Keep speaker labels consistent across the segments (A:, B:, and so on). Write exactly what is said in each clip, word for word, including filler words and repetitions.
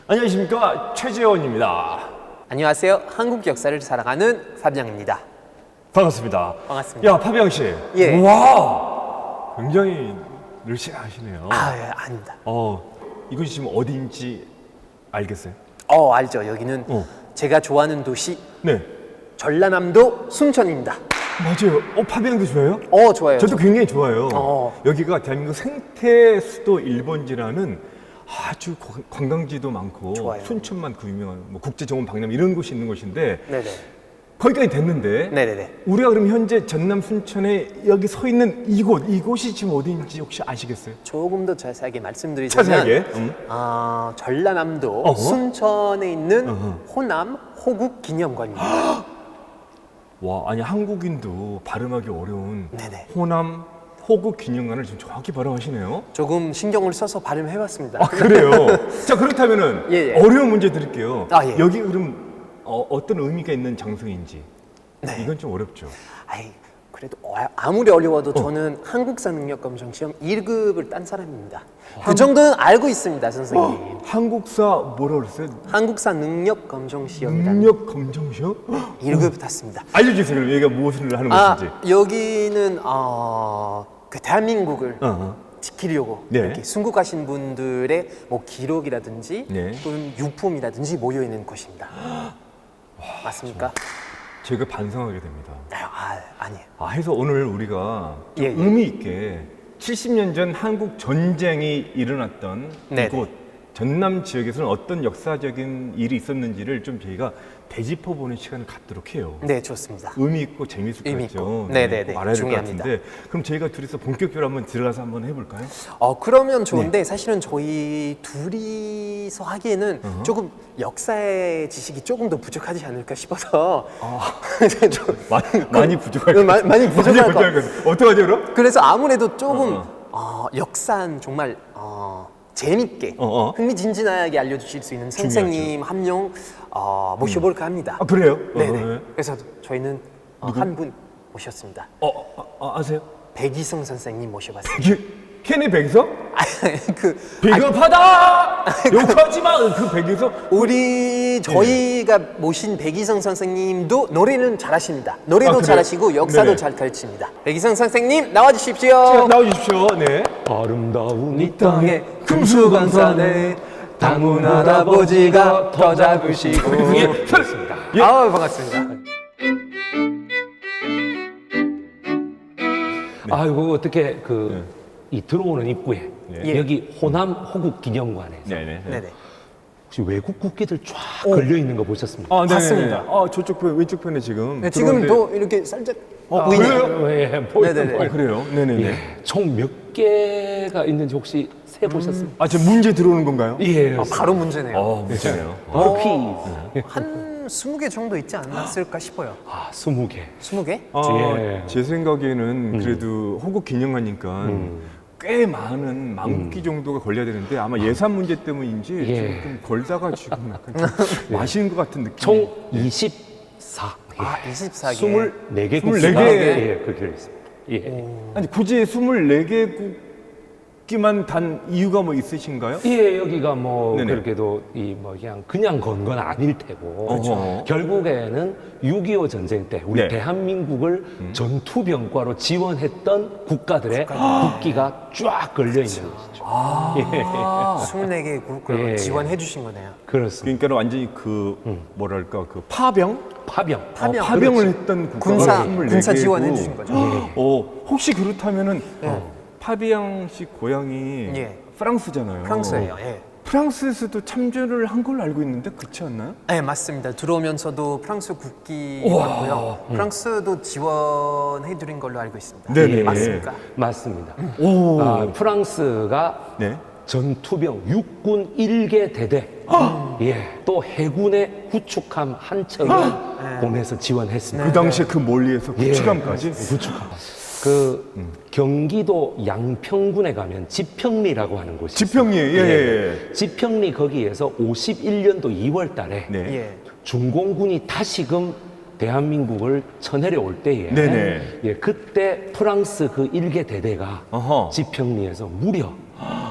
A: 안녕하십니까, 최재원입니다.
B: 안녕하세요. 한국 역사를 사랑하는 파비앙입니다.
A: 반갑습니다.
B: 반갑습니다.
A: 야, 파비앙 씨.
B: 예.
A: 와, 굉장히 늘씬하시네요.
B: 아, 예, 아닙니다.
A: 어, 이곳이 지금 어디인지 알겠어요?
B: 어, 알죠. 여기는
A: 어.
B: 제가 좋아하는 도시
A: 네.
B: 전라남도 순천입니다.
A: 맞아요. 어, 파비앙도 좋아해요?
B: 어, 좋아요.
A: 저도 굉장히 좋아요.
B: 어.
A: 여기가 대한민국 생태 수도 일 번지라는 아주 관- 관광지도 많고
B: 좋아요.
A: 순천만 그 유명한 뭐 국제정원 박람 이런 곳이 있는 곳인데
B: 네네.
A: 거기까지 됐는데
B: 네네네.
A: 우리가 그럼 현재 전남 순천에 여기 서 있는 이곳 이곳이 지금 어디인지 혹시 아시겠어요?
B: 조금 더 자세하게 말씀드리자면
A: 자세하게. 음.
B: 아, 전라남도
A: 어허.
B: 순천에 있는
A: 어허.
B: 호남 호국 기념관입니다.
A: 와, 아니 한국인도 발음하기 어려운
B: 네네.
A: 호남 호국 기념관을 지금 정확히 발음하시네요.
B: 조금 신경을 써서 발음해봤습니다.
A: 아, 그래요? 자, 그렇다면은
B: 예, 예.
A: 어려운 문제 드릴게요.
B: 아, 예.
A: 여기 그럼 어, 어떤 의미가 있는 장소인지.
B: 네.
A: 이건 좀 어렵죠.
B: 아이, 그래도 어, 아무리 어려워도 저는 한국사 능력 검정 시험 일 급을 딴 사람입니다. 그 정도는 알고 있습니다, 선생님.
A: 어, 한국사 뭐라 그랬어요?
B: 한국사 능력 검정 시험이라는
A: 능력 검정 시험?
B: 일 급 탔습니다.
A: 알려주세요. 그럼 여기가 무엇을 하는
B: 아,
A: 곳인지.
B: 여기는 어, 그 대한민국을
A: 어, 어.
B: 지키려고
A: 네.
B: 이렇게 순국하신 분들의 뭐 기록이라든지
A: 네.
B: 또는 유품이라든지 모여 있는 곳입니다. 맞습니까?
A: 제가 반성하게 됩니다.
B: 아, 아니에요.
A: 아, 해서 오늘 우리가 좀
B: 예, 예.
A: 의미 있게 칠십 년 전 한국 전쟁이 일어났던
B: 네네.
A: 이곳 전남 지역에서는 어떤 역사적인 일이 있었는지를 좀 저희가 되짚어보는 시간을 갖도록 해요.
B: 네, 좋습니다.
A: 의미 있고 재밌을 것
B: 의미
A: 같죠.
B: 있고. 네네네.
A: 꼭 알아야 될 것
B: 중요합니다.
A: 같은데 그럼 저희가 둘이서 본격적으로 한번 들어가서 한번 해볼까요?
B: 어, 그러면
A: 네.
B: 좋은데 사실은 저희 둘이서 하기에는 조금 역사의 지식이 조금 더 부족하지 않을까 싶어서 좀-
A: 많이, 많이 부족할
B: 그,
A: 것
B: 마-
A: 같아요.
B: 많이 부족할 것
A: 부족할 것 같아요. 어떡하죠 그럼?
B: 그래서 아무래도 조금
A: 어,
B: 어, 역사는 정말 어, 재밌게
A: 어, 어.
B: 흥미진진하게 알려주실 수 있는 선생님 한 명 어, 모셔볼까 합니다.
A: 아, 그래요?
B: 네네.
A: 어, 네.
B: 그래서 저희는 어, 한 분 모셨습니다.
A: 어, 어, 어, 아세요?
B: 백이성 선생님 모셔봤습니다.
A: 이게 케네 백이서?
B: 그
A: 비겁하다! 욕하지 마! 그 백이서?
B: 우리 저희가 모신 백이성 선생님도 노래는 잘하십니다. 노래도
A: 아, 그래요?
B: 잘하시고 역사도
A: 네네.
B: 잘 가르칩니다. 백이성 선생님 나와주십시오.
A: 나와주십시오. 네.
C: 아름다운
B: 이 땅에 금수강산에 당군 할아버지가 더 잡으시고.
A: 그렇습니다. 예.
B: 아우 반갑습니다.
C: 아이고 어떻게 그 이 들어오는 입구에
A: 네.
C: 여기 호남 호국 기념관에서
A: 네네.
B: 네네.
C: 혹시 외국 국기들 쫙 걸려 있는 거 보셨습니까?
A: 아, 네.
B: 봤습니다.
A: 아, 저쪽 편, 왼쪽 편에 지금.
B: 네, 지금
A: 들어오는데-
B: 또 이렇게 살짝
A: 어,
B: 보이네요.
A: 그래요?
C: 예, 보이는
B: 네네네.
C: 거예요.
A: 아, 그래요? 네네네.
C: 예, 총 몇 개가 있는지 혹시 세 보셨습니까?
A: 아, 지금 문제 들어오는 건가요?
C: 예,
B: 아, 바로 문제네요.
A: 어, 문제네요.
C: 바로
B: 어,
C: 퀴즈.
B: 한 스무 개 정도 있지 않았을까 싶어요.
C: 아, 스무 개.
B: 스무 개?
A: 아,
C: 예.
A: 제 생각에는 그래도 호국 기념관이니까 꽤 많은 만국기 정도가 걸려야 되는데 아마 예산 문제 때문인지
C: 예.
A: 지금 좀 걸다가 지금 약간 좀 마시는 것 같은 느낌.
C: 총 이십사 개.
B: 아, 이십사 개.
C: 스물네 개
A: 스물네
C: 국기가
A: 개.
C: 예, 그렇게 되어 있습니다. 예.
A: 아니 굳이 스물네 개국기만 단 이유가 뭐 있으신가요?
C: 예, 여기가 뭐
A: 네네.
C: 그렇게도 이 뭐 그냥 그냥 건 건 아닐 테고
A: 그렇죠.
C: 결국에는 육이오 전쟁 때 우리
A: 네.
C: 대한민국을 전투병과로 지원했던 국가들의 국기가 쫙 걸려 있는 것이죠.
B: 아, 스물네 개 국가를
C: 예.
B: 지원해 주신 거네요.
C: 그렇습니다.
A: 그러니까 완전히 그 뭐랄까 그 파병?
C: 파병.
B: 파병.
A: 어, 파병을 했던 국가가
B: 군사,
A: 스물네
B: 군사
A: 개고.
B: 지원해 주신 거죠.
A: 어, 혹시 그렇다면은
B: 예.
A: 파비앙 씨 고향이
B: 예.
A: 프랑스잖아요.
B: 프랑스예요. 예.
A: 프랑스에서도 참전을 한 걸로 알고 있는데 그렇지 않나요?
B: 네, 맞습니다. 들어오면서도 프랑스 국기였고요. 프랑스도 지원해 드린 걸로 알고 있습니다.
A: 네네.
B: 맞습니까?
C: 맞습니다.
A: 오.
C: 아, 프랑스가
A: 네.
C: 전투병 육군 일 개 대대, 예, 또 해군의 구축함 한 척을 보내서 지원했습니다.
A: 그 당시에 그 멀리에서 구축함까지.
C: 예, 구축함. 그 경기도 양평군에 가면 지평리라고 하는 곳이
A: 지평리,
C: 있어요.
A: 예, 예, 예.
C: 지평리 거기에서 오십일 년도 이월 달에
A: 네.
B: 예.
C: 중공군이 다시금 대한민국을 쳐내려 올 때에
A: 네네.
C: 예, 그때 프랑스 그 일개 대대가
A: 어허.
C: 지평리에서 무려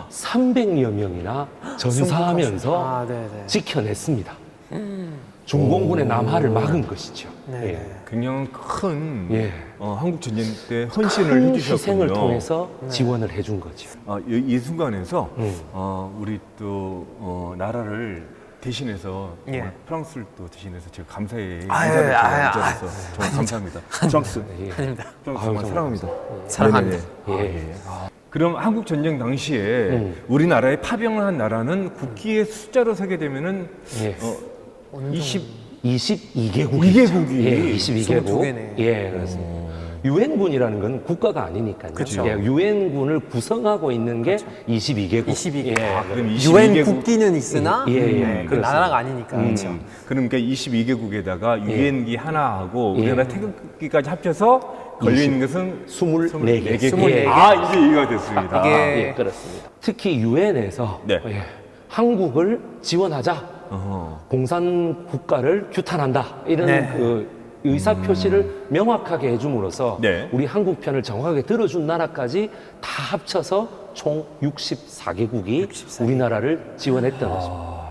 C: 삼백여 명이나 전사하면서
B: 아, 네네.
C: 지켜냈습니다. 중공군의 남하를 막은 것이죠.
B: 네.
C: 예.
A: 굉장히 큰
C: 예.
A: 어, 한국 전쟁 때 헌신을
C: 큰
A: 해주셨군요.
C: 희생을 통해서 지원을 해준 거죠.
A: 아, 이, 이 순간에서
C: 음.
A: 어, 우리 또 어, 나라를 대신해서 정말
B: 예.
A: 프랑스를 또 대신해서 제가 감사의
B: 아유,
A: 인사를
B: 아유,
A: 드려서 정말 감사합니다. 프랑스,
C: 예.
B: 아닙니다.
A: 프랑스
C: 아유,
A: 정말
C: 정말
A: 사랑합니다.
B: 사랑합니다.
A: 네네네.
C: 예.
A: 아, 예. 아, 그럼 한국 전쟁 당시에
C: 음.
A: 우리나라에 파병을 한 나라는 국기의 숫자로 세게 되면은
C: 예.
A: 어, 이십
C: 이십이 개국.
A: 이 개국이
C: 예, 이십이 개국.
B: 이십이 개네.
C: 예, 그렇습니다. 유엔군이라는 건 국가가 아니니까요.
B: 그렇죠.
C: 예, 유엔군을 구성하고 있는 게 이십이 개국.
B: 이십이 개국.
C: 예,
A: 아, 그럼
B: 유엔
A: 이십이 개국
B: 국기는 있으나
C: 예, 예, 예,
B: 네, 그
C: 그렇습니다.
B: 나라가 아니니까. 그렇죠.
A: 음, 그러니까 이십이 개국에다가 유엔기 하나하고
C: 예.
A: 우리나라 태극기까지 합쳐서 걸려 있는 것은
C: 스물네 개.
A: 스물네 개.
B: 개.
A: 아, 이제 이해가 됐습니다.
B: 이게-
C: 예, 그렇습니다. 특히 유엔에서
A: 네.
C: 예, 한국을 지원하자.
A: 어허.
C: 공산 국가를 규탄한다. 이런
B: 네.
C: 그 의사 표시를 명확하게 해줌으로써
A: 네.
C: 우리 한국 편을 정확하게 들어준 나라까지 다 합쳐서 총 육십사 개국이
B: 육십사 개.
C: 우리나라를 지원했던 것입니다.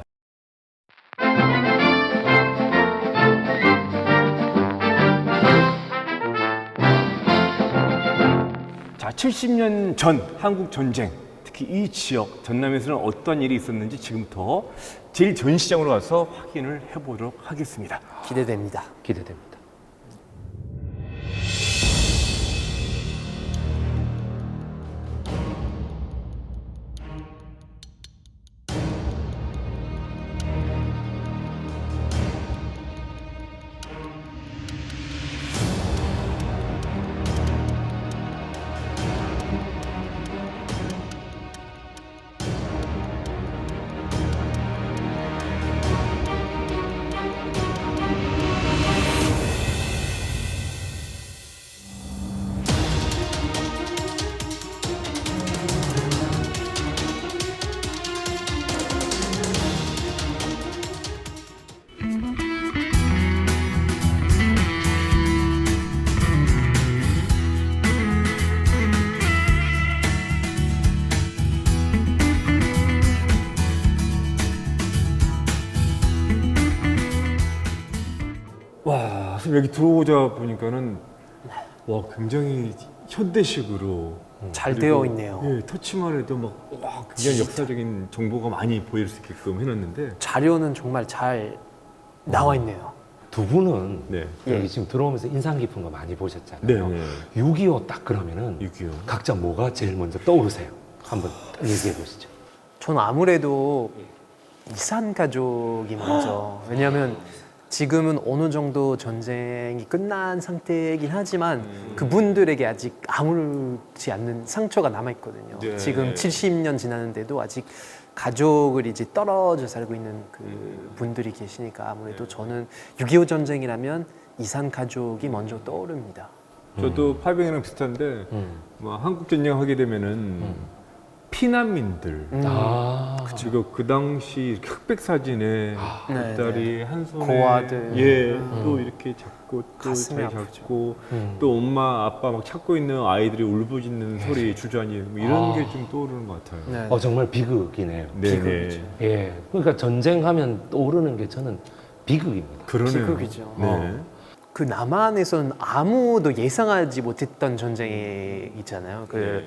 A: 자, 칠십 년 전 한국 전쟁, 특히 이 지역 전남에서는 어떤 일이 있었는지 지금부터 제일 전시장으로 가서 확인을 해보도록 하겠습니다.
B: 기대됩니다.
C: 기대됩니다.
A: 와, 선생님 여기 들어오자 보니까는 와, 굉장히 현대식으로
B: 잘
A: 그리고,
B: 되어 있네요.
A: 예, 터치만 해도 막 와, 굉장히 역사적인 정보가 많이 보일 수 있게끔 해놨는데.
B: 자료는 정말 잘 나와 있네요.
C: 두 분은
A: 네.
C: 여기 지금 들어오면서 인상 깊은 거 많이 보셨잖아요.
A: 네, 네.
C: 육이오 딱 그러면은
A: 육이오.
C: 각자 뭐가 제일 먼저 떠오르세요? 한번 얘기해 보시죠.
B: 저는 아무래도 이산 가족이 먼저. 왜냐하면 지금은 어느 정도 전쟁이 끝난 상태이긴 하지만 그분들에게 아직 아무렇지 않는 상처가 남아 있거든요.
A: 네.
B: 지금 칠십 년 지났는데도 아직 가족을 이제 떨어져 살고 있는 그 분들이 계시니까 아무래도 저는 육이오 전쟁이라면 이산 가족이 먼저 떠오릅니다.
A: 저도 파병이랑 비슷한데
C: 음.
A: 뭐 한국 전쟁 하게 되면은 피난민들
B: 음.
C: 아,
A: 그리고 그 당시 이렇게 흑백 사진에
B: 네,
A: 딸이 한 손에
B: 고아들.
A: 예, 또 이렇게 잡고 또
B: 가슴이
A: 잘
B: 아프죠.
A: 잡고
C: 음.
A: 또 엄마 아빠 막 찾고 있는 아이들이 울부짖는 소리 주저앉이 뭐 이런
C: 아.
A: 게 좀 떠오르는 것 같아요.
B: 네.
C: 어, 정말 비극이네요.
A: 네,
C: 예, 그러니까 전쟁하면 떠오르는 게 저는 비극입니다.
A: 그러네요.
B: 비극이죠.
A: 네.
B: 그 남한에서는 아무도 예상하지 못했던 전쟁이 있잖아요. 그
A: 네.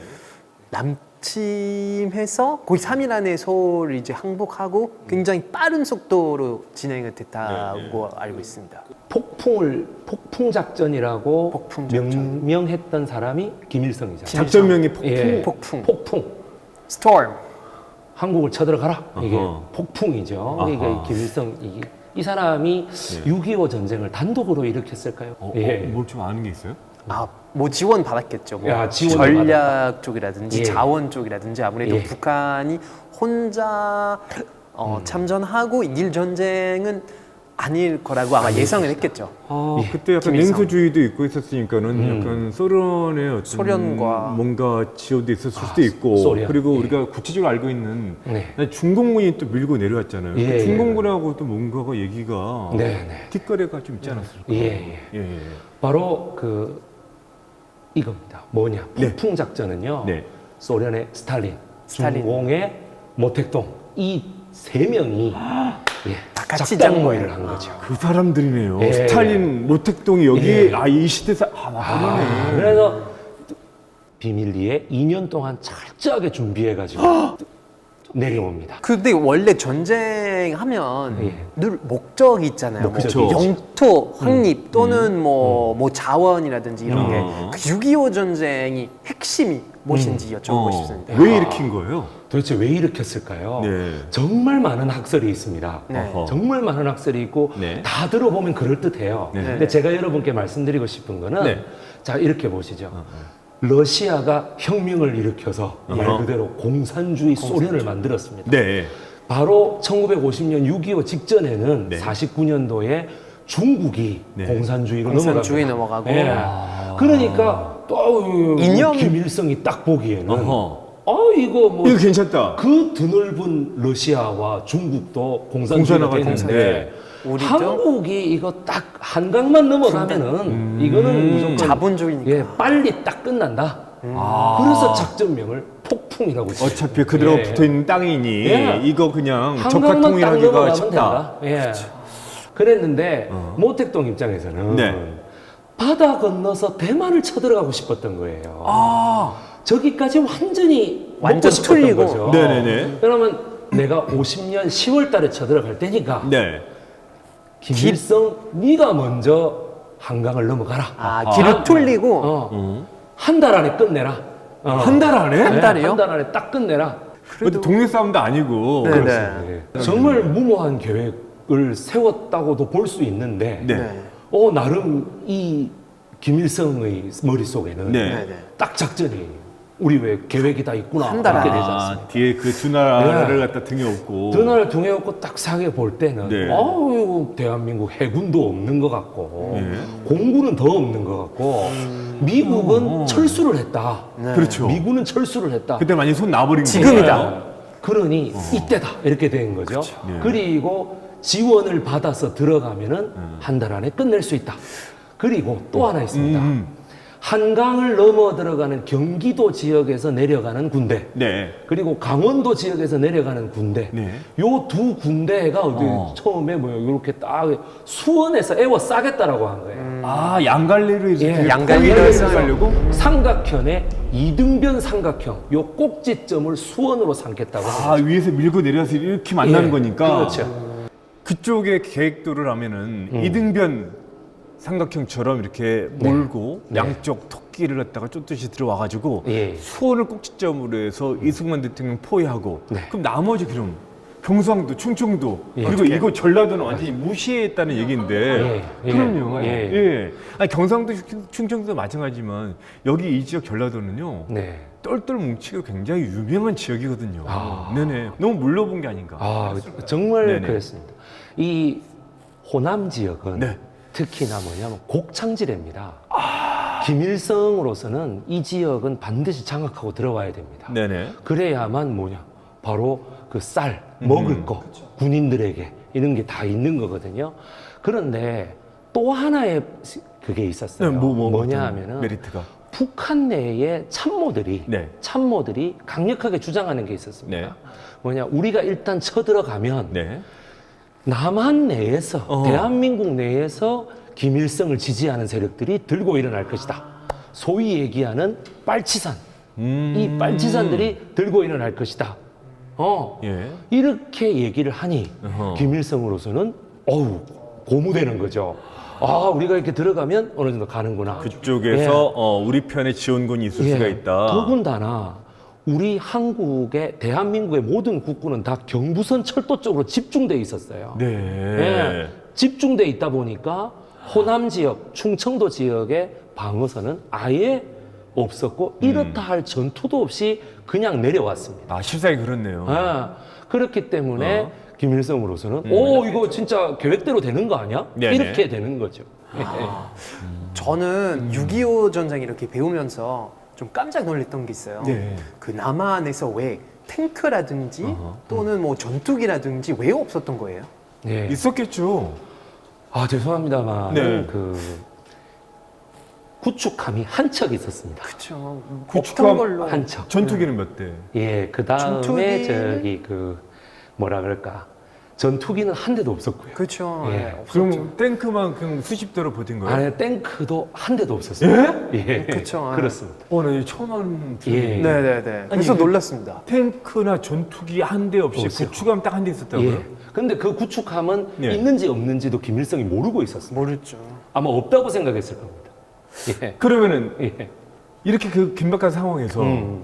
B: 남침해서 거의 삼 일 안에 서울을 이제 항복하고 굉장히 빠른 속도로 진행이 됐다고 알고 있습니다.
C: 폭풍을 폭풍 작전이라고
B: 폭풍 작전.
C: 명명했던 사람이 김일성이잖아요.
A: 작전명이 폭풍.
C: 예,
B: 폭풍.
C: 폭풍.
B: 스톰.
C: 한국을 쳐들어가라. 이게
A: 어허.
C: 폭풍이죠.
A: 아하.
C: 이게 김일성 이, 이 사람이
A: 네.
C: 육이오 전쟁을 단독으로 일으켰을까요?
A: 어,
C: 예.
A: 뭘 좀 아는 게 있어요?
B: 아, 뭐 지원 받았겠죠. 뭐
C: 야, 지원을
B: 전략 쪽이라든지
C: 예.
B: 자원 쪽이라든지 아무래도
C: 예.
B: 북한이 혼자 어, 참전하고 이길 전쟁은 아닐 거라고 아마 예상을 했겠죠.
A: 아,
C: 예,
A: 그때 약간
B: 김일성.
A: 냉소주의도 있고 있었으니까는
C: 음.
A: 약간 소련의 어떤
B: 소련과
A: 뭔가 지원도 있었을 수도
C: 아,
A: 있고
C: 소련.
A: 그리고
C: 예.
A: 우리가 구체적으로 알고 있는
C: 네.
A: 중공군이 또 밀고 내려왔잖아요.
C: 예,
A: 그
C: 예.
A: 중공군하고 또 뭔가가 얘기가
C: 네, 네.
A: 뒷거래가 좀 있지 않았을까?
C: 예, 예.
A: 예, 예.
C: 바로 그 이겁니다. 뭐냐?
A: 네.
C: 폭풍 작전은요.
A: 네.
C: 소련의 스탈린,
B: 스탈린.
C: 중공의 모택동 이 세 명이 예,
B: 같이
C: 작당
B: 짠
C: 모의를
B: 거예요.
C: 한 거죠.
A: 그 사람들이네요.
C: 예.
A: 스탈린, 모택동이 여기
C: 예.
A: 아 이 시대사 아,
C: 아,
A: 맞네.
C: 그래서 비밀리에 이 년 동안 철저하게 준비해가지고 내려옵니다.
B: 근데 원래 전쟁하면
C: 예.
B: 늘 목적이 있잖아요. 뭐
A: 그쵸.
B: 영토 확립 또는 뭐, 뭐 자원이라든지 이런
A: 음.
B: 게 그 육이오 전쟁이 핵심이 무엇인지 여쭤보고
A: 어,
B: 싶습니다.
A: 왜 일으킨 거예요?
C: 도대체 왜 일으켰을까요?
A: 네.
C: 정말 많은 학설이 있습니다.
B: 네.
A: 어허.
C: 정말 많은 학설이 있고
A: 네.
C: 다 들어보면 그럴듯해요.
A: 네.
C: 근데 제가 여러분께 말씀드리고 싶은 거는
A: 네.
C: 자 이렇게 보시죠. 러시아가 혁명을 일으켜서 말
A: 어허.
C: 그대로 공산주의 소련을 만들었습니다.
A: 네.
C: 바로 천구백오십 년 육이오 직전에는
A: 네.
C: 사십구 년도에 중국이
A: 네.
C: 공산주의로
B: 공산주의
C: 넘어갑니다.
B: 넘어가고.
C: 예.
A: 아.
C: 그러니까 또
B: 이념.
C: 김일성이 딱 보기에는
A: 어허.
C: 어 이거 뭐
A: 이거 괜찮다.
C: 그 드넓은 러시아와 중국도 공산주의가
A: 공산화가
C: 되는데
A: 되는데
B: 우리도
C: 한국이 이거 딱 한강만 넘어가면은 이거는 무조건
B: 자본주의니까.
C: 예, 빨리 딱 끝난다.
A: 아.
C: 그래서 작전명을 폭풍이라고 지어요.
A: 어차피 그대로
C: 예.
A: 붙어 있는 땅이니
C: 예.
A: 이거 그냥
C: 한강만 딱
A: 적화통일하기가
C: 넘어가면
A: 쉽다.
C: 된다. 예. 그랬는데
A: 어.
C: 모택동 입장에서는
A: 네.
C: 바다 건너서 대만을 쳐들어가고 싶었던 거예요.
A: 아.
C: 저기까지 완전히
B: 완전
C: 먹고 싶었던
B: 틀리고.
C: 거죠.
A: 네네네.
C: 그러면 내가 오십 년 시월 달에 쳐들어갈 테니까
A: 네.
C: 김일성 네가 먼저 한강을 넘어가라.
B: 아, 길을 뚫리고
C: 어. 한 달 안에 끝내라. 어.
A: 한 달 안에?
B: 한 달이요?
C: 한 달 안에 딱 끝내라.
A: 그래도 동네 싸움도 아니고.
B: 네,
A: 그렇지.
B: 네.
C: 예. 정말 무모한 계획을 세웠다고도 볼 수 있는데
A: 네.
B: 네.
C: 어 나름 이 김일성의 머릿속에는
A: 네.
B: 네, 네.
C: 딱 작전이 우리 왜 계획이 다 있구나
B: 한달
C: 이렇게
B: 안에.
C: 되지
A: 아,
C: 않습니까?
A: 뒤에 그 두 나라를
C: 네.
A: 갖다 등에 업고.
C: 드나를 통해 갖고 딱 사게 볼 때는
A: 네.
C: 어우 대한민국 해군도 없는 것 같고
A: 네.
C: 공군은 더 없는 것 같고 미국은
A: 어.
C: 철수를 했다.
B: 네.
A: 그렇죠.
C: 미군은 철수를 했다.
A: 그때 많이 손 놔버린
B: 지금이다.
A: 거예요.
C: 그러니 이때다 이렇게 된 거죠.
A: 네.
C: 그리고 지원을 받아서 들어가면은 한 달 안에 끝낼 수 있다. 그리고 또 하나 있습니다.
A: 음.
C: 한강을 넘어 들어가는 경기도 지역에서 내려가는 군대,
A: 네.
C: 그리고 강원도 지역에서 내려가는 군대,
A: 네.
C: 요 두 군대가 어디
A: 어.
C: 처음에 뭐 이렇게 딱 수원에서 애워 싸겠다라고 한 거예요.
A: 아, 양갈래로 이제
C: 예,
A: 되게
B: 양갈래로
A: 포위를
B: 해서
A: 가려고?
C: 삼각형의 이등변 삼각형, 요 꼭지점을 수원으로 삼겠다고 한
A: 아,
C: 거죠.
A: 위에서 밀고 내려서 이렇게 만나는
C: 예,
A: 거니까.
C: 그렇죠.
A: 그쪽에 계획도를 하면은
C: 음.
A: 이등변 삼각형처럼 이렇게 몰고
C: 네.
A: 양쪽 토끼를 갖다가 쫓듯이 들어와가지고
C: 예.
A: 수원을 꼭지점으로 해서 이승만 대통령 포위하고
C: 네.
A: 그럼 나머지 그럼 경상도, 충청도
C: 예.
A: 그리고 이거 전라도는 완전히 무시했다는 얘기인데
C: 예, 예,
A: 그럼요.
C: 예.
A: 예. 아니, 경상도, 충- 충청도도 마찬가지지만 여기 이 지역 전라도는요.
C: 네.
A: 똘똘 뭉치가 굉장히 유명한 지역이거든요.
C: 아.
A: 네네. 너무 물러본 게 아닌가.
C: 아, 정말
A: 네네.
C: 그랬습니다. 이 호남 지역은
A: 네.
C: 특히나 뭐냐면 곡창지대입니다. 김일성으로서는 이 지역은 반드시 장악하고 들어와야 됩니다.
A: 네네.
C: 그래야만 뭐냐, 바로 그 쌀, 먹을
A: 음.
C: 거, 군인들에게 이런 게 다 있는 거거든요. 그런데 또 하나의 그게 있었어요.
A: 네, 뭐, 뭐,
C: 뭐냐
A: 어떤
C: 하면은
A: 메리트가.
C: 북한 내의 참모들이
A: 네.
C: 참모들이 강력하게 주장하는 게 있었습니다.
A: 네.
C: 뭐냐, 우리가 일단 쳐들어가면
A: 네.
C: 남한 내에서
A: 어.
C: 대한민국 내에서 김일성을 지지하는 세력들이 들고 일어날 것이다. 소위 얘기하는 빨치산.
A: 음.
C: 이 빨치산들이 들고 일어날 것이다. 어.
A: 예.
C: 이렇게 얘기를 하니
A: 어허.
C: 김일성으로서는 어우 고무되는 거죠. 아, 우리가 이렇게 들어가면 어느 정도 가는구나.
A: 그쪽에서
C: 예.
A: 어, 우리 편에 지원군이 있을
C: 예.
A: 수가 있다.
C: 더군다나 우리 한국의 대한민국의 모든 국군은 다 경부선 철도 쪽으로 집중돼 있었어요.
A: 네.
C: 예. 집중돼 있다 보니까 호남 지역, 충청도 지역의 방어선은 아예 없었고 이렇다 할 전투도 없이 그냥 내려왔습니다.
A: 아, 실상이 그렇네요.
C: 아, 그렇기 때문에
A: 어.
C: 김일성으로서는 오 이거 진짜 계획대로 되는 거 아니야?
A: 네네.
C: 이렇게 되는 거죠.
B: 저는 육이오 전쟁 이렇게 배우면서 좀 깜짝 놀랐던 게 있어요.
A: 네.
B: 그 남한에서 왜 탱크라든지
A: 어허.
B: 또는 뭐 전투기라든지 왜 없었던 거예요?
C: 네.
A: 있었겠죠.
C: 아 죄송합니다만
A: 네.
C: 그 구축함이 한 척 있었습니다.
B: 그렇죠.
A: 구축함
B: 없던 걸로
C: 한 척.
A: 전투기는 몇 대?
C: 예, 그 다음에
B: 전투기는?
C: 저기 그 뭐라 그럴까 전투기는 한 대도 없었고요.
B: 그렇죠.
C: 예.
B: 예, 없었죠.
A: 그럼 탱크만큼 수십 대로 버틴 거예요?
C: 안에 탱크도 한 대도 없었어요. 예,
B: 그쵸.
C: 그렇습니다.
A: 어, 나 이거 처음 하는
C: 예.
A: 예.
B: 네네네. 그래서
A: 이게-
B: 놀랐습니다.
A: 탱크나 전투기 한 대 없이
C: 없어요.
A: 구축함 딱 한 대 있었다고요?
C: 예. 근데 그 구축함은
A: 예.
C: 있는지 없는지도 김일성이 모르고 있었습니다.
B: 모르죠.
C: 아마 없다고 생각했을 겁니다. 예.
A: 그러면은
C: 예.
A: 이렇게 그 긴박한 상황에서
C: 음.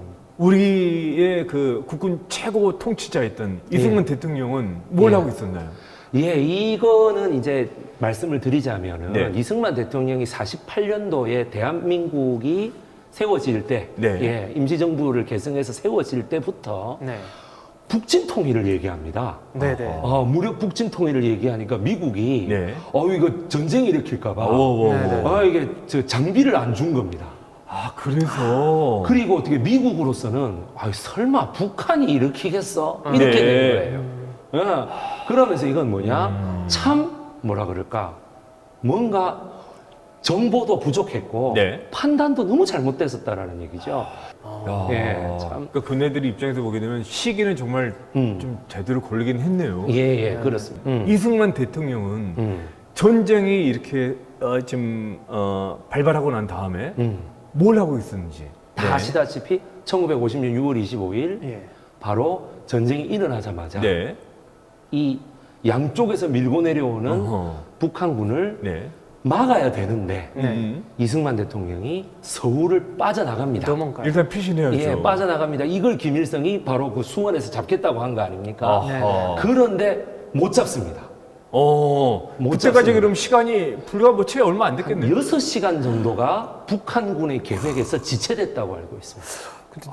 A: 우리의 그 국군 최고 통치자였던 이승만 대통령은 뭘
C: 예.
A: 하고 있었나요?
C: 예, 이거는 이제 말씀을 드리자면은
A: 네.
C: 이승만 대통령이 사십팔 년도에 대한민국이 세워질 때,
A: 네.
C: 예, 임시정부를 계승해서 세워질 때부터
B: 네.
C: 북진 통일을 얘기합니다.
B: 네네.
C: 아, 무력 북진 통일을 얘기하니까 미국이
A: 네.
C: 어 이거 전쟁 일으킬까봐
A: 오, 오, 오.
B: 네네.
C: 아 이게 저 장비를 안 준 겁니다.
A: 아, 그래서
C: 그리고 어떻게 미국으로서는 아 설마 북한이 일으키겠어 이렇게
A: 네.
C: 된 거예요. 예. 그러면서 이건 뭐냐 참 뭐라 그럴까 뭔가 정보도 부족했고
A: 네.
C: 판단도 너무 잘못됐었다라는 얘기죠.
A: 야,
C: 예, 참.
A: 그러니까 그네들이 입장에서 보게 되면 시기는 정말
C: 음.
A: 좀 제대로 걸리긴 했네요.
C: 예, 예, 그렇습니다. 음.
A: 이승만 대통령은
C: 음.
A: 전쟁이 이렇게 어, 지금 어, 발발하고 난 다음에
C: 음.
A: 뭘 하고 있었는지
C: 다 아시다시피 천구백오십 년 유월 이십오일
B: 예.
C: 바로 전쟁이 일어나자마자
A: 네.
C: 이 양쪽에서 밀고 내려오는
A: 어허.
C: 북한군을
A: 네.
C: 막아야 되는데
B: 네.
A: 음.
C: 이승만 대통령이 서울을 빠져나갑니다.
B: 도망가요.
A: 일단 피신해야죠.
C: 예, 빠져나갑니다. 이걸 김일성이 바로 그 수원에서 잡겠다고 한 거 아닙니까?
A: 아하.
C: 그런데 못 잡습니다.
A: 어,
C: 못
A: 그때까지
C: 잡습니다.
A: 그럼 시간이 불과 뭐 채 얼마 안 됐겠네요.
C: 여섯 시간 정도가 북한군의 계획에서 지체됐다고 알고 있습니다.
B: 근데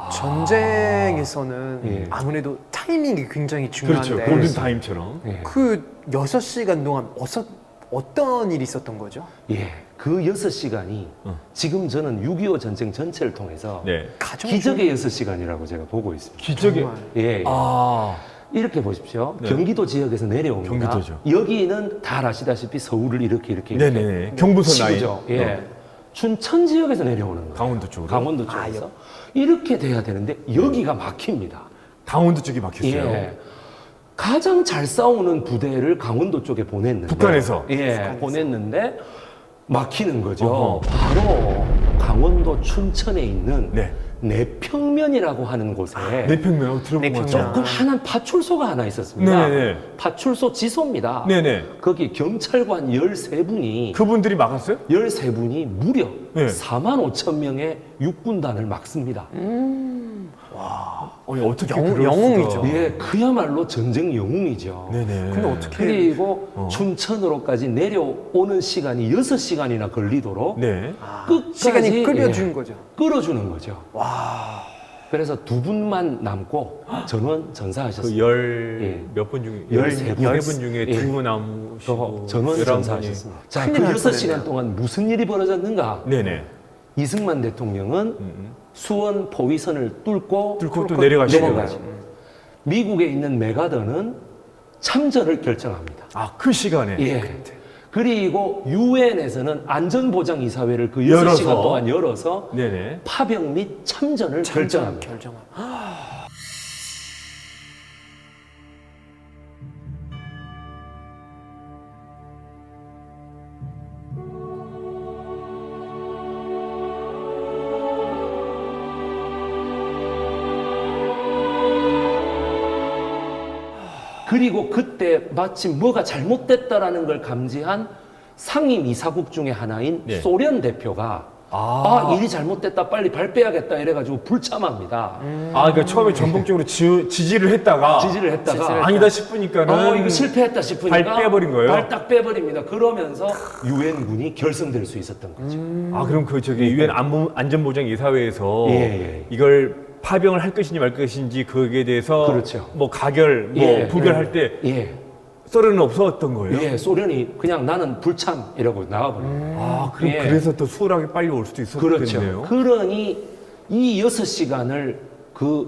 B: 전쟁에서는
C: 예.
B: 아무래도 타이밍이 굉장히
A: 그렇죠.
B: 중요한데
A: 골든 타임처럼.
C: 예.
B: 그 여섯 시간 동안 어서, 어떤 일이 있었던 거죠?
C: 예, 그 여섯 시간이
A: 어.
C: 지금 저는 육이오 전쟁 전체를 통해서
A: 네.
B: 가장
C: 기적의 여섯 시간이라고 제가 보고 있습니다.
A: 기적의
B: 정말.
C: 예, 예.
A: 아,
C: 이렇게 보십시오.
A: 네.
C: 경기도 지역에서 내려옵니다.
A: 경기도죠.
C: 여기는 다 아시다시피 서울을 이렇게 이렇게
A: 네네. 경부선 라인.
C: 치고죠. 예.
A: 어.
C: 춘천 지역에서 내려오는 거예요.
A: 강원도 쪽으로.
C: 강원도 쪽에서 이렇게 돼야 되는데 여기가 막힙니다.
A: 강원도 쪽이 막혔어요.
C: 예. 가장 잘 싸우는 부대를 강원도 쪽에 보냈는데
A: 북한에서?
C: 예,
B: 북한에서.
C: 보냈는데 막히는 거죠.
A: 어허.
C: 바로 강원도 춘천에 있는
A: 네.
C: 내평면이라고 하는 곳에
A: 내평면 들어본 것
B: 내평면.
A: 같죠?
C: 조금 하나 파출소가 하나 있었습니다.
A: 네네.
C: 파출소 지소입니다.
A: 네네.
C: 거기 경찰관 열세 분이
A: 그분들이 막았어요?
C: 열세 분이 무려
A: 네.
C: 사만 오천 명의 육군단을 막습니다.
A: 아니, 어떻게
B: 영-
A: 그럴
B: 영웅이죠.
A: 수가.
C: 예, 그야말로 전쟁 영웅이죠.
A: 네네.
B: 근데 어떻게
C: 그리고
A: 어.
C: 춘천으로까지 내려오는 시간이 여섯 시간이나 걸리도록
A: 네.
C: 끝까지
B: 시간이 끌려준
C: 예,
B: 거죠?
C: 끌어주는 거죠. 그래서 두 분만 남고 전원
A: 그
C: 전사하셨습니다.
A: 열
C: 예.
A: 몇 분 중에
C: 열세
A: 열세
C: 분.
A: 분 중에
C: 예.
A: 두 분 남으시고
C: 전원
A: 열한
C: 전사하셨습니다. 자,
B: 큰일
C: 그
B: 날
C: 여섯 시간
B: 뻔했네요.
C: 동안 무슨 일이 벌어졌는가?
A: 분이. 네네.
C: 이승만 대통령은
A: 음.
C: 수원 포위선을 뚫고,
A: 뚫고 또 내려가시고.
C: 내려가시고. 미국에 있는 메가더는 참전을 결정합니다.
A: 아, 그 시간에.
C: 예. 그리고 유엔에서는 안전보장이사회를 그 여섯 시간
A: 열어서.
C: 동안 열어서
A: 네네.
C: 파병 및 참전을 결정합니다.
B: 결정함.
C: 그리고 그때 마침 뭐가 잘못됐다라는 걸 감지한 상임 이사국 중에 하나인
A: 네.
C: 소련 대표가
A: 아.
C: 아, 일이 잘못됐다 빨리 발 빼야겠다 이래가지고 불참합니다.
A: 아, 그러니까 처음에 전폭적으로 지, 지지를 했다가
C: 지지를 했다가
B: 지지를
A: 아니다 싶으니까는
C: 어, 이거 실패했다 싶으니까
A: 발 빼버린 거예요?
C: 발 딱 빼버립니다. 그러면서 유엔군이 결성될 수 있었던 거죠.
A: 아, 그럼 그 저기 유엔 안전보장 이사회에서
C: 예, 예.
A: 이걸 파병을 할 것인지 말 것인지 거기에 대해서
C: 그렇죠.
A: 뭐 가결, 뭐
C: 예,
A: 부결할 때
C: 예,
A: 썰은 없었던 거예요.
C: 예, 소련이 그냥 나는 불참이라고 나와버려요.
A: 아, 그럼
C: 예.
A: 그래서 더 수월하게 빨리 올 수도 있었겠네요.
C: 그렇죠. 그러니 이 여섯 시간을 그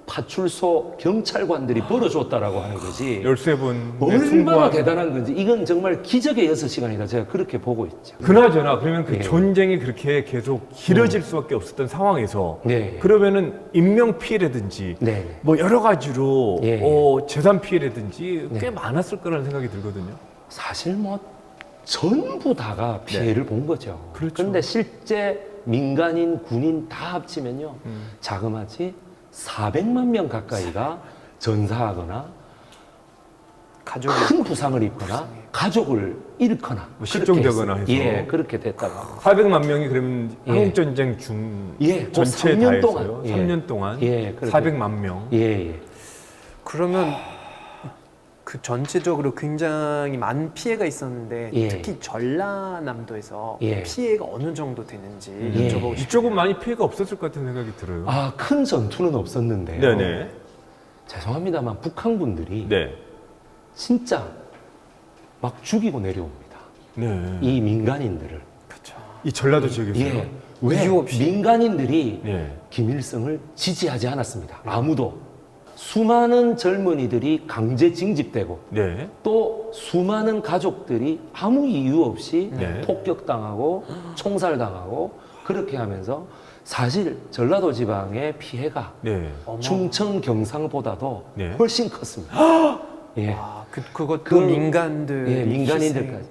C: 파출소 경찰관들이 벌어줬다라고 하는 거지.
A: 열세 분
C: 얼마나 대단한 건지 이건 정말 기적의 여섯 시간이다. 제가 그렇게 보고 있죠.
A: 그나저나 그러면 그
C: 예.
A: 전쟁이 그렇게 계속 길어질 수밖에 없었던 상황에서
C: 네.
A: 그러면은 인명 피해라든지
C: 네.
A: 뭐 여러 가지로
C: 예.
A: 어, 재산 피해라든지 꽤
C: 네.
A: 많았을 거라는 생각이 들거든요.
C: 사실 뭐 전부 다가 피해를 본 거죠.
A: 그렇죠.
C: 그런데 실제 민간인, 군인 다 합치면요.
A: 음.
C: 자그마치 사백만 명 가까이가 전사하거나
B: 가족이
C: 큰 부상을 입거나 가족을 잃거나
A: 뭐 실종되거나
C: 그렇게
A: 해서.
C: 했어요. 예, 그렇게 됐다고 합니다.
A: 사백만 명이 그러면
C: 예.
A: 한국 전쟁 중
C: 예, 그
A: 전체에
C: 삼
A: 다
C: 년 동안.
A: 했어요.
C: 예.
A: 삼 년 동안
C: 예, 그렇게.
A: 사백만 명.
C: 예, 예.
B: 그러면 그 전체적으로 굉장히 많은 피해가 있었는데
C: 예.
B: 특히 전라남도에서
C: 예.
B: 피해가 어느 정도 되는지
C: 예.
B: 여쭤보고 싶어요.
A: 이쪽은 많이 피해가 없었을 것 같은 생각이 들어요.
C: 아, 큰 전투는 없었는데요.
A: 네네.
C: 죄송합니다만 북한 분들이
A: 네.
C: 진짜 막 죽이고 내려옵니다.
A: 네.
C: 이 민간인들을.
B: 그렇죠.
A: 이 전라도 지역에서요.
C: 예. 왜
B: 이유 없이.
C: 민간인들이
A: 네.
C: 김일성을 지지하지 않았습니다. 아무도. 수많은 젊은이들이 강제 징집되고
A: 네.
C: 또 수많은 가족들이 아무 이유 없이
A: 네.
C: 폭격당하고 총살당하고 그렇게 하면서 사실 전라도 지방의 피해가
A: 네.
B: 어머.
C: 충청 경상보다도
A: 네.
C: 훨씬 컸습니다. 예.
B: 아, 그, 그것도
C: 그-
B: 민간들
C: 예, 민간인들까지.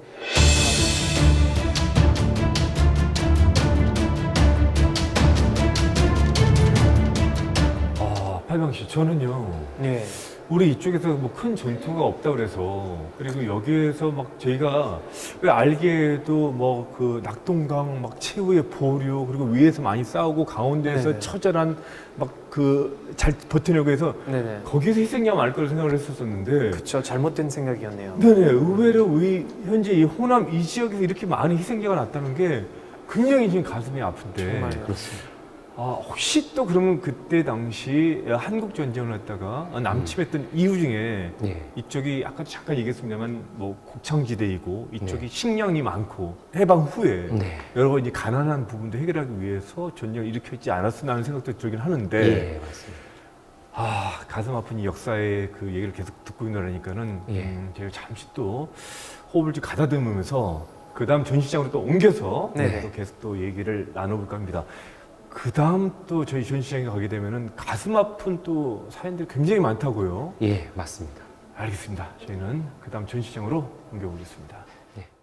A: 아, 팔방 씨, 저는요.
B: 네.
A: 우리 이쪽에서 뭐 큰 전투가 없다 그래서 그리고 여기에서 막 저희가 왜 알게도 뭐 그 낙동강 막 최후의 보류 그리고 위에서 많이 싸우고 가운데에서
B: 네네.
A: 처절한 막 그 잘 버티려고 해서
B: 네네.
A: 거기서 희생자가 많을 거라 생각을 했었었는데
B: 그렇죠. 잘못된 생각이었네요.
A: 네네 의외로 우리 현재 이 호남 이 지역에서 이렇게 많은 희생자가 났다는 게 굉장히 지금 가슴이 아픈데
B: 정말.
C: 그렇습니다.
A: 아, 혹시 또 그러면 그때 당시 한국 전쟁을 했다가 남침했던 이유 중에
C: 예.
A: 이쪽이 아까 잠깐 얘기했습니다만 뭐 곡창지대이고 이쪽이
C: 네.
A: 식량이 많고 해방 후에
C: 네.
A: 여러 가지 가난한 부분도 해결하기 위해서 전쟁을 일으켰지 않았으나 하는 생각도 들긴 하는데
C: 예, 맞습니다.
A: 아 가슴 아픈 이 역사의 그 얘기를 계속 듣고 있느라니까는
C: 예.
A: 음, 제가 잠시 또 호흡을 좀 가다듬으면서 그 다음 전시장으로 또 옮겨서
B: 네네.
A: 또 계속 또 얘기를 나눠볼까 합니다. 그 다음 또 저희 전시장에 가게 되면은 가슴 아픈 또 사연들이 굉장히 많다고요.
C: 예, 맞습니다.
A: 알겠습니다. 저희는 그 다음 전시장으로 옮겨보겠습니다.
C: 예.